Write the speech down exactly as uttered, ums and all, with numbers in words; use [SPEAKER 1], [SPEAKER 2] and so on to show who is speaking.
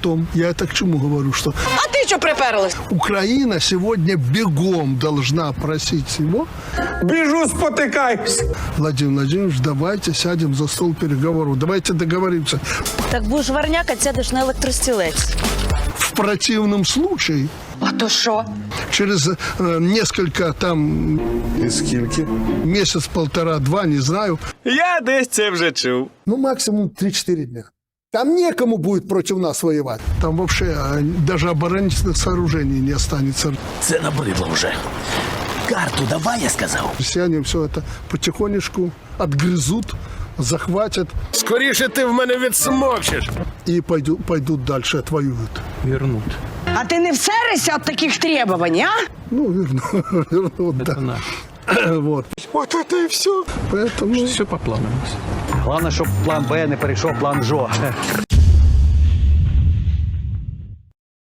[SPEAKER 1] потом. Я это к чему говорю, что...
[SPEAKER 2] А ты что приперлась?
[SPEAKER 1] Украина сегодня бегом должна просить его.
[SPEAKER 3] Біжу, спотикаюсь.
[SPEAKER 1] Владимир Владимирович, давайте сядем за стол переговоров, давайте договоримся.
[SPEAKER 4] Так будеш варняка, сядеш на електростілець.
[SPEAKER 1] В противном случае,
[SPEAKER 2] А то що?
[SPEAKER 1] через э, несколько там
[SPEAKER 5] І скільки?
[SPEAKER 1] месяц, полтора, два, не знаю,
[SPEAKER 3] Я десь це вже чув.
[SPEAKER 6] Ну, максимум три-четыре дня. Там некому будет против нас воевать.
[SPEAKER 1] там вообще э, даже оборонительных сооружений не останется.
[SPEAKER 7] Це набридло вже. Карту давай, я сказав.
[SPEAKER 1] Россияне все это потихонечку отгрызут, захватят
[SPEAKER 5] Скоріше ти в мене відсмокчеш.
[SPEAKER 1] и пойдут, пойдут дальше, отвоюют.
[SPEAKER 3] Вернуть.
[SPEAKER 2] А ти не всерешся від таких требувань, а?
[SPEAKER 1] Ну, верну, вернут, да. Вот. Вот это и все. Поэтому...
[SPEAKER 3] Все по плану.
[SPEAKER 8] Головне, щоб план Б не перейшов в план Жо.